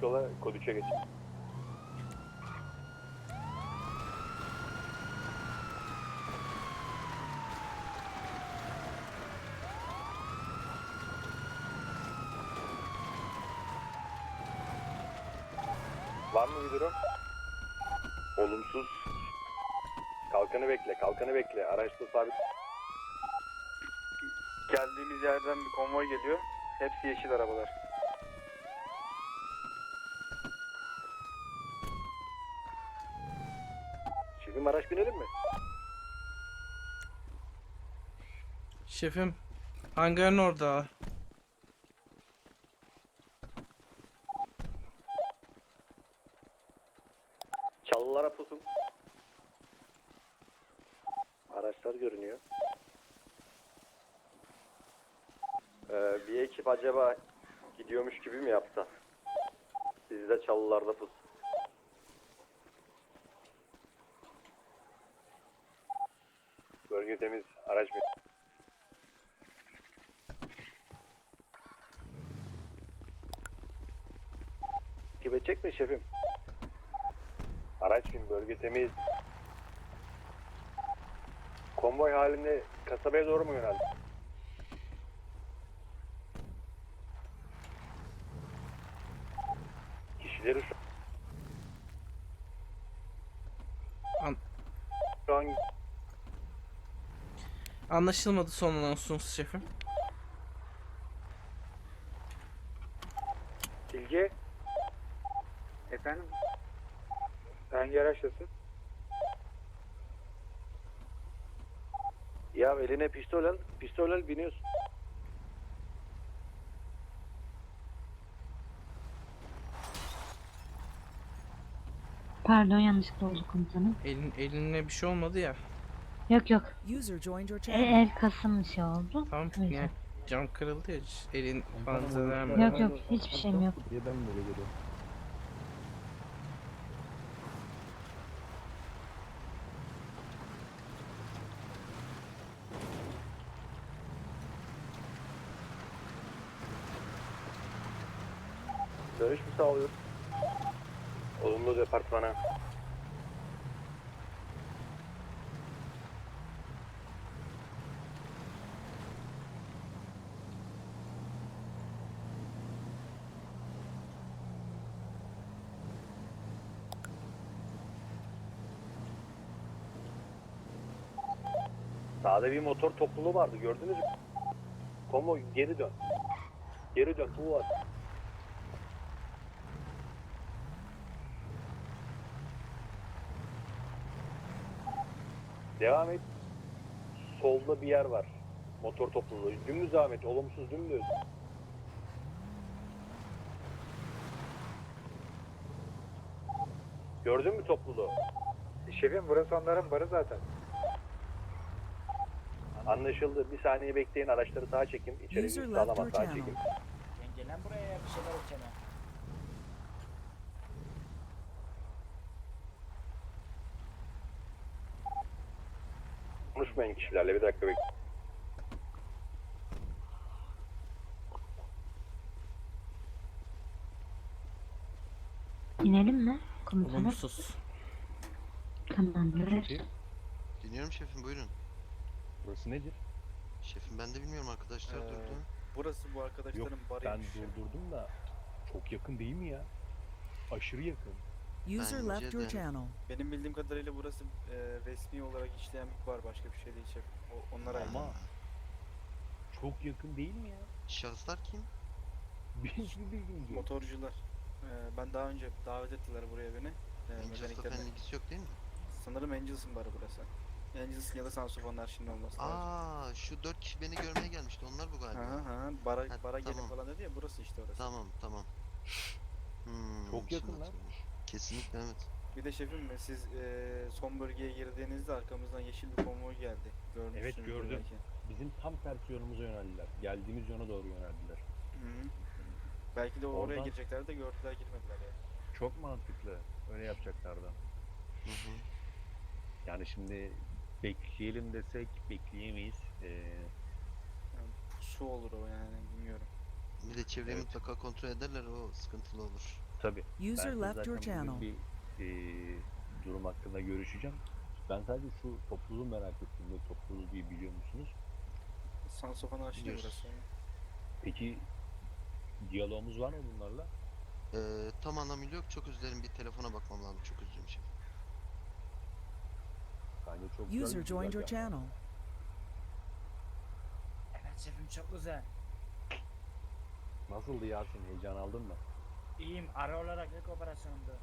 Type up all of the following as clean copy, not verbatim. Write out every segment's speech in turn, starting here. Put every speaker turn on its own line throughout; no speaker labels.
açık yola kod 3'e geç. Var mı bir durum? Olumsuz. Kalkanı bekle, kalkanı bekle. Araçta sabit.
Geldiğimiz yerden bir konvoy geliyor. Hepsi yeşil arabalar.
Şefim araç binelim mi?
Şefim, hangarın orada.
Çalılara pusun. Araçlar görünüyor. Bir ekip acaba gidiyormuş gibi mi yapsa? Siz de çalılarda pus. Bölge temiz, araç bin. Takip edecek mi şefim? Araç bin, bölge temiz. Konvoy halinde kasabaya doğru mu yöneldi? Kişileri şu an
Anlaşılmadı son anonsunuz şefim.
Bilge. Efendim? Hangi araçtasın?
ya eline pistol al biniyorsun.
Pardon, yanlışlıkla oldu komutanım.
Eline bir şey olmadı ya.
Yok yok.
User joined your channel.
El kasım şey oldu.
Tamam
O yüzden.
yani cam kırıldı ya. Elin falan zarar
Yok
mı?
yok, hiçbir şeyim yok.
Diye ben böyle görüyorum.
Dönüş mü sağlıyor? Olumlu departmana. Sağda bir motor topluluğu vardı, gördünüz mü? Konvoy geri dön. Geri dön, bu var. Devam et. Solda bir yer var. Motor topluluğu. Dümdüz devam et. Olumsuz dümdüz. Gördün mü topluluğu?
Şefim burası onların barı zaten.
Anlaşıldı. Bir saniye bekleyin. Araçları sağa çekin. İçeri
User
bir
left
sağlama
your
sağa
channel.
çekin.
Gelen buraya ya bir şeyler içene.
Konuşmayın kişilerle. Bir dakika bekleyin.
İnelim mi komutanım?
Olumsuz.
Tamamdır.
Şefim,
Dinliyorum şefim, buyurun.
burası nedir?
Şefim ben de bilmiyorum, arkadaşlar durdu.
Burası bu
Yok,
arkadaşların
ben
barıymış.
durdurdum da çok yakın değil mi ya? Aşırı yakın.
User
Bence
left your
de.
channel.
Benim bildiğim kadarıyla burası resmi olarak işleyen bir bar. Başka bir şey değil şef. Onlara ait.
Ama çok yakın değil mi ya?
Şahıslar kim?
Hiçbir bilgim yok.
Motorcular. Ben daha önce davet ettiler buraya beni.
Angels'la
Mekaniklerine.
falan ilgisi yok değil mi?
Sanırım Angels'ın barı burası. Angels'ın ya da Sansofonlar şimdi olması lazım.
Aa, şu 4 kişi beni görmeye gelmişti, onlar bu galiba.
Bara gelin
tamam.
falan dedi ya, burası işte orası.
Tamam.
Çok
şimdi
yakın lan.
hatırladım. Kesinlikle evet.
Bir de şefim siz son bölgeye girdiğinizde arkamızdan yeşil bir konvoy geldi. Görmüşsünüzdür
Evet, gördüm.
belki.
Bizim tam tersi yönümüze yöneldiler. Geldiğimiz yöne doğru yöneldiler.
Hı. Belki de oraya
Oradan-
girecekler de gördüler, girmediler ya.
Çok mantıklı. Öyle yapacaklardı.
Hı hı.
Yani şimdi bekleyelim desek bekleyemeyiz.
Su olur o yani, bilmiyorum.
Bir de çevreyi
Evet.
mutlaka kontrol ederler, o sıkıntılı olur.
tabii. Ben
User
size
left your
zaten
channel.
bugün bir durum hakkında görüşeceğim. Ben sadece şu topluluğu merak ettim. Ne topluluğu diye biliyor musunuz?
Sansofanı açtı
Biliyoruz.
burası.
Peki diyalogumuz var mı bunlarla?
Tam anlamıyla yok. Çok özür dilerim. Bir telefona bakmam lazım. Çok özür dilerim şef.
Bence çok güzel
User
bir
joined your
güzergah var.
channel.
Evet şefim çok güzel.
Nasıldı Yasin? Heyecan aldın mı?
İyiyim. Ara olarak ilk operasyondu.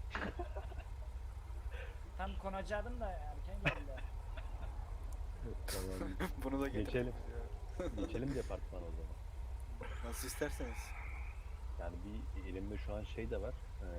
Tam konacaktım da erken geldi.
Tamam.
Bunu da getirdik
Geçelim.
biz ya.
Geçelim departmana o zaman.
Nasıl isterseniz.
Yani bir elimde şu an şey de var.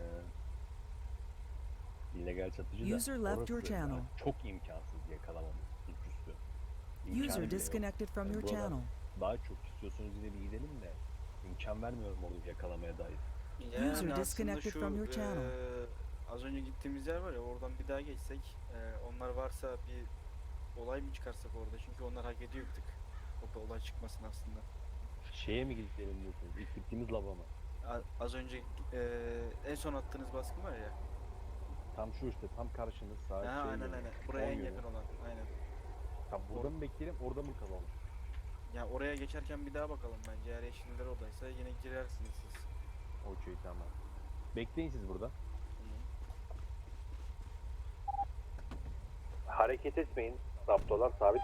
İllegal satıcı da.
User left
Orası
your channel.
yani çok imkansız yakalamamız suçüstü. İmkanı
User
bile yok.
disconnected from your
Buralar
channel.
Daha çok istiyorsanız yine bir gidelim de imkan vermiyorum orada yakalamaya dair.
Yani
User
aslında
disconnected
şu,
from your channel.
Az önce gittiğimiz yer var ya, oradan bir daha geçsek, onlar varsa bir olay mı çıkarsak orada, çünkü onlar hak ediyor bir tık. Orada olay çıkmasın aslında.
Şeye mi gidelim diyorsunuz? İlk gittiğimiz lava mı?
Az önce en son attığınız baskın var ya.
Tam şu işte, tam karşınız sağ
Ha, aynen
yönü,
aynen. Buraya en
sol yönü.
yakın olan. Aynen.
Tam burada mı bekleyelim, orada mı kalalım?
Ya oraya geçerken bir daha bakalım bence. Eğer yeşiller oradaysa yine girersiniz siz.
Okey, tamam. Bekleyin siz burada. Hareket etmeyin. Zaptolar sabit.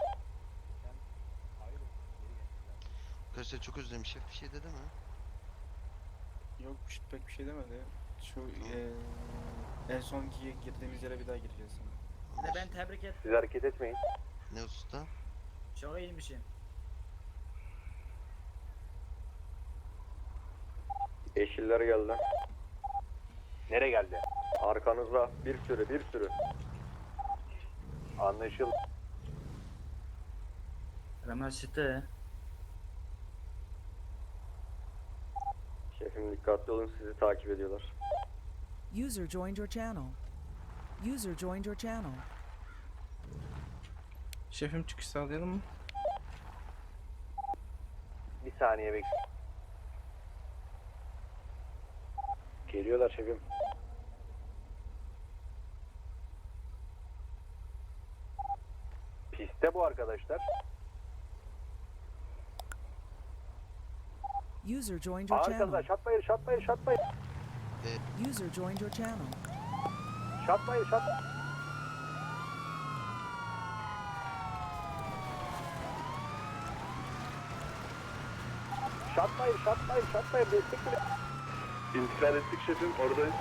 Arkadaşlar çok özür dilerim. Şef bir şey dedi mi?
Yok, pek bir şey demedi. Şu en sonki girdiğimiz yere bir daha gireceğiz.
Bir de ben tebrik ettim.
Siz hareket etmeyin.
Ne usta?
Çok iyiymişsin.
Yeşiller geldi.
Nereye geldi?
Arkanızda bir sürü.
Anlaşıldı.
Ramaşıtı.
Şefim dikkatli olun, sizi takip ediyorlar.
User joined your channel. User joined your channel.
Şefim çıkış sağlayalım mı?
Bir saniye bekle. Geliyorlar şefim. Piste bu arkadaşlar.
User joined your channel.
Arkadaşlar şatmayın.
User joined your channel.
Şatmayın. Şatmayın. Destek bile. İntikal ettik şefim, oradayız.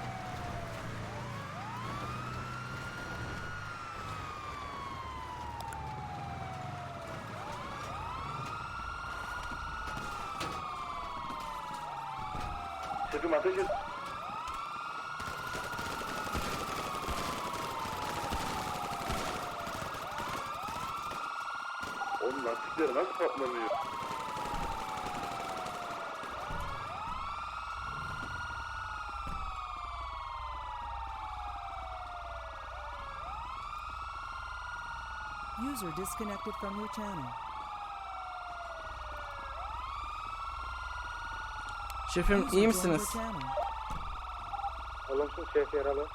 Şefim ateş et. Oğlum lastikleri nasıl patlamıyor?
User disconnected from your channel.
Şefim
User
iyi
joined
misiniz?
your channel.
Olumsuz şef yaralı.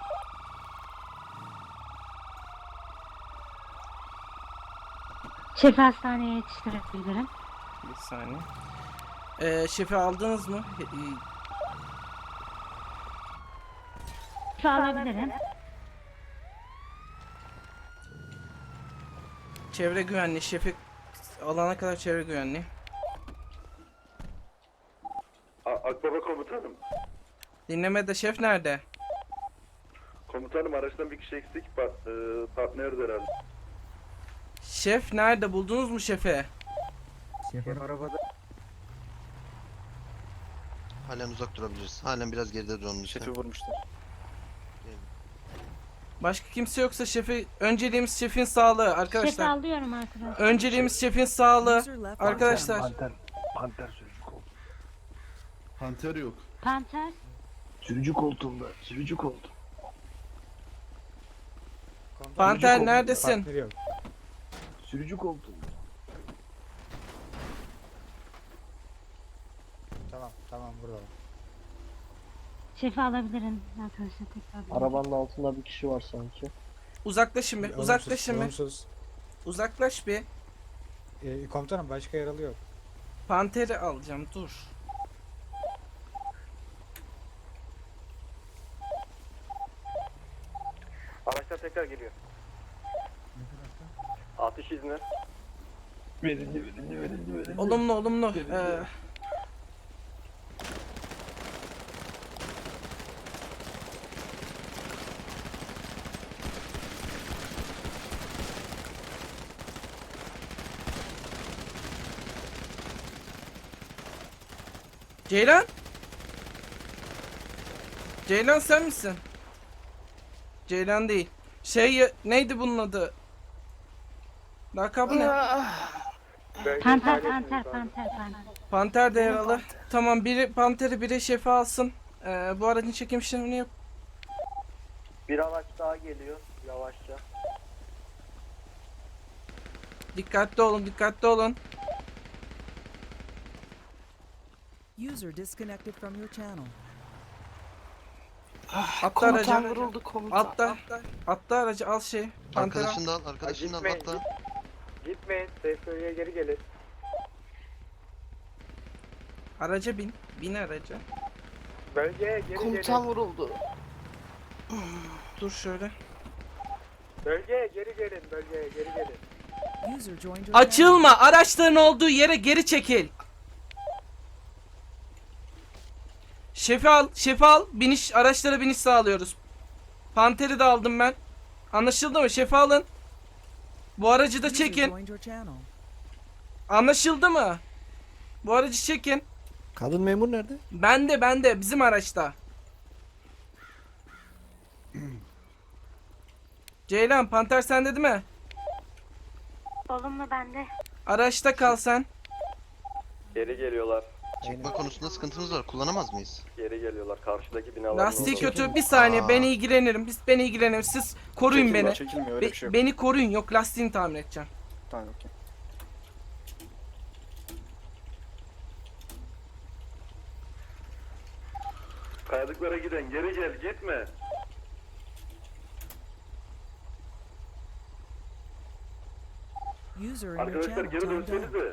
Şefi hastaneye yetiştirebilirim.
Bir saniye. Şefi aldınız mı?
Şefi alabilirim.
Çevre güvenliği. Şefi alana kadar çevre güvenliği.
Akbaba komutanım.
Dinlemede şef nerede?
Komutanım araçtan bir kişi eksik. Partneriz herhalde.
Şef nerede? Buldunuz mu şefi?
Halen uzak durabiliriz. Halen biraz geride duralım lütfen.
Şefi vurmuşlar.
Başka kimse yoksa şefi, önceliğimiz şefin sağlığı
Şefi
arkadaşlar.
alıyorum arkadaşlar.
Önceliğimiz şefin sağlığı
User left your
arkadaşlar.
channel.
Panter sürücü koltuğunda.
Panter yok.
Panter.
Sürücü koltuğunda.
Panter neredesin?
Sürücü koltuğunda.
Tamam burada.
Şefi alabilirim arkadaşlar tekrar.
Arabanın altında bir kişi var sanki.
Uzaklaşın bir. Uzaklaşın bir.
Olumsuz.
Uzaklaş bir.
Komutanım başka yaralı yok.
Panteri alacağım dur.
Araçlar tekrar geliyor. Atış izni.
Olumlu olumlu. Ceylan? Ceylan sen misin? Ceylan değil. Neydi bunun adı? Lakabı ne?
Panter.
Panter de yaralı. Tamam biri Panter'i biri şefi alsın. Bu aracın çekim işlemini yap.
Bir araç daha geliyor yavaşça.
Dikkatli olun, dikkatli olun.
User disconnected from your channel.
Atla aracı. Atla aracı al şey. Panter al.
Arkadaşını da al, arkadaşını da al,
Gitmeyin,
atla.
Gitmeyin. Safe geri gelin.
Araca bin. Bin araca.
Bölgeye geri
Komutan vuruldu.
Dur şöyle.
Bölgeye geri gelin. Bölgeye geri gelin.
User joined your channel.
Açılma. Araçların olduğu yere geri çekil. Şefi al. Şefi al. Araçlara biniş sağlıyoruz. Panter'i de aldım ben. Anlaşıldı mı? Şefi alın. Bu aracı da
User
çekin.
joined your channel.
Anlaşıldı mı? Bu aracı çekin.
Kadın memur nerede?
Bende. Bizim araçta. Ceylan, Panter sende değil mi?
Olumlu bende.
Araçta kal sen.
Geri geliyorlar.
Çıkma konusunda sıkıntımız var. Kullanamaz mıyız?
Geri geliyorlar. Karşıdaki binalar.
Lastiği kötü. Bir saniye ben ilgilenirim. Ben ilgilenirim. Siz koruyun beni.
Çekilmiyor öyle bir şey yok.
Beni koruyun. Yok lastiğini tamir edeceğim.
Tamam okey.
Kayalıklara giden geri gel gitme.
User in your
Arkadaşlar
channel
geri
timed out.
dönsenize.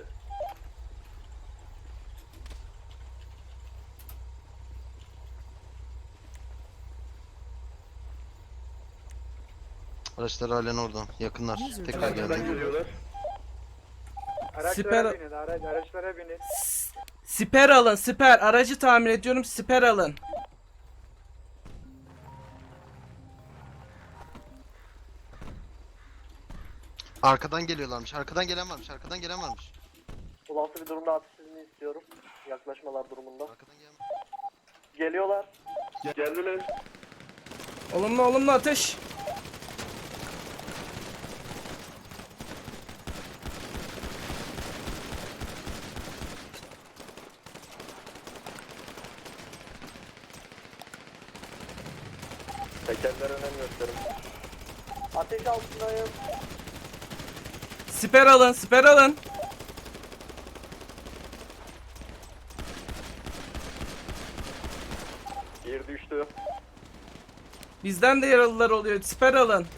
Araçlar halen orada. Yakınlar. Tekrar
Arkadan
geldi.
geliyorlar.
Siper,
Araçlara binin.
siper alın. Siper. Aracı tamir ediyorum. Siper alın.
Arkadan geliyorlarmış. Arkadan gelen varmış. Arkadan gelen varmış.
Olası bir durumda atış izni istiyorum. Yaklaşmalar durumunda.
Arkadan gelen.
Geliyorlar.
Geldiler.
Olumlu ateş.
Tekerlere önem gösterin. Ateş altındayım.
Siper alın. Siper alın.
Bir düştü.
Bizden de yaralılar oluyor. Siper alın.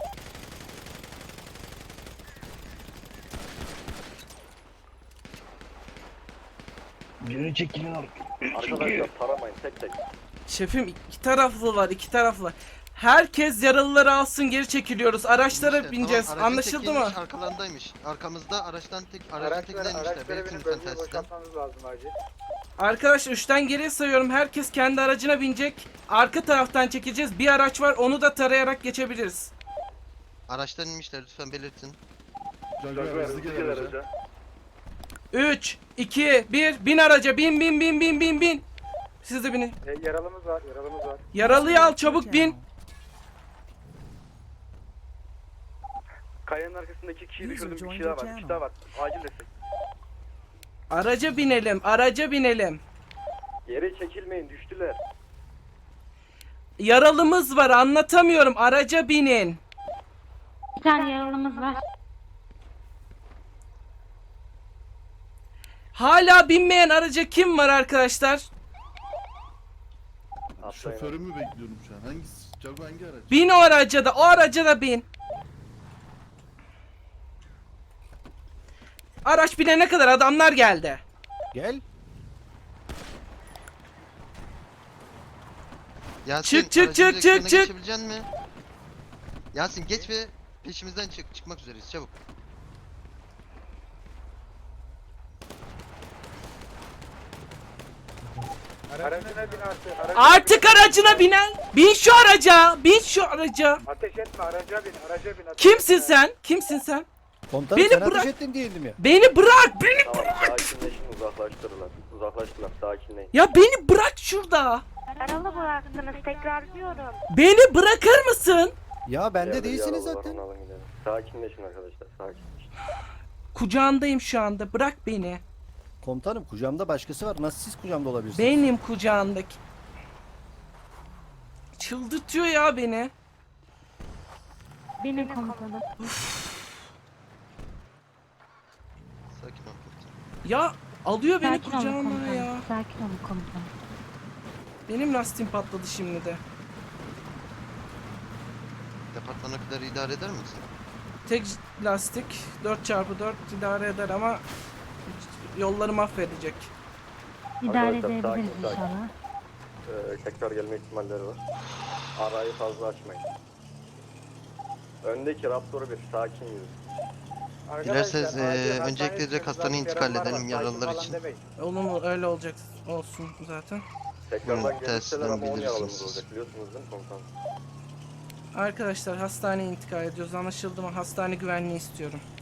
Birini çekilin
Arkadaşlar taramayın tek tek.
Şefim iki taraflı. Herkes yaralıları alsın geri çekiliyoruz. Araçlara
İşte,
bineceğiz.
tamam, aracın
Anlaşıldı
tekiymiş,
mı?
Arkalarındaymış. Arkamızda aracın tekindeymişler. Belirtin lütfen telsizden.
lazım acil.
Arkadaşlar 3'ten geriye sayıyorum. Herkes kendi aracına binecek. Arka taraftan çekeceğiz. Bir araç var. Onu da tarayarak geçebiliriz.
Araçtan inmişler lütfen belirtin.
Hızlı gel araca.
3, 2, 1. Bin araca. Bin. Siz de binin.
Yaralımız var.
Yaralıyı al
User
çabuk
joined
bin.
your
Kayanın arkasındaki iki kişiyi
User
düşürdüm. Bir
joined
kişi daha
your
var. Bir kişi
channel.
daha var. Acil destek.
Araca binelim.
Geri çekilmeyin. Düştüler.
Yaralımız var. Anlatamıyorum. Araca binin.
Bir tane yaralımız var.
Hala binmeyen araca kim var arkadaşlar?
Atlayın.
Şoförümü bekliyorum şu an. Hangisi? Jago hangi araç?
Bin o araca da, o araca da bin. Araç binene kadar adamlar geldi.
Gel.
Yasin,
Çık, çık,
aracın
çık,
direksiyonuna
çık, çık.
geçebilecek misin? Yasin geç ve peşimizden çık. Çıkmak üzereyiz çabuk.
Aracına bin artık.
Artık aracına binen. Bin şu araca. Bin şu araca.
Ateş etme araca bin. Araca bin.
Kimsin sen? Kimsin sen?
Komutanım
Beni
sen
bırak.
ateş ettin değildim ya.
Beni bırak. Beni
Tamam sakinleşin, uzaklaştırırlar. Uzaklaştılar, sakinleyin.
Ya beni bırak şurada.
Yaralı bıraktınız tekrar diyorum.
Beni bırakır mısın?
Ya bende
Yerde
değilsiniz
yaralı var,
zaten.
onu alın gidelim. Sakinleşin arkadaşlar, sakinleşin.
Kucağındayım şu anda. Bırak beni.
Komutanım kucağımda başkası var. Nasıl siz kucağımda olabilirsiniz?
Benim kucağındaki. Çıldırtıyor ya beni.
Benim komutanım.
Sakin ol komutanım.
Ya alıyor beni
Sakin olun
kucağına
komutanım.
ya.
Sakin olun komutanım.
Benim lastiğim patladı şimdi de.
Departmana kadar idare eder misin?
Tek lastik 4x4 idare eder ama yolları mahvedecek.
İdare
Arkadaşlar,
edebiliriz
sakin, sakin.
inşallah.
Tekrar gelme ihtimalleri var. Arayı fazla açmayın. Öndeki Raptor'u bir sakin yürü.
Dilerseniz öncelikle direkt hastaneye intikal edelim yaralılar için.
Onun öyle olacak olsun zaten.
Tekrardan
Buyurun,
gelirseler
tersinden
ama 10
bildirirsiniz
yaralımız
siz.
olacak, biliyorsunuz değil mi komutanım?
Arkadaşlar hastaneye intikal ediyoruz, anlaşıldı mı? Hastane güvenliği istiyorum.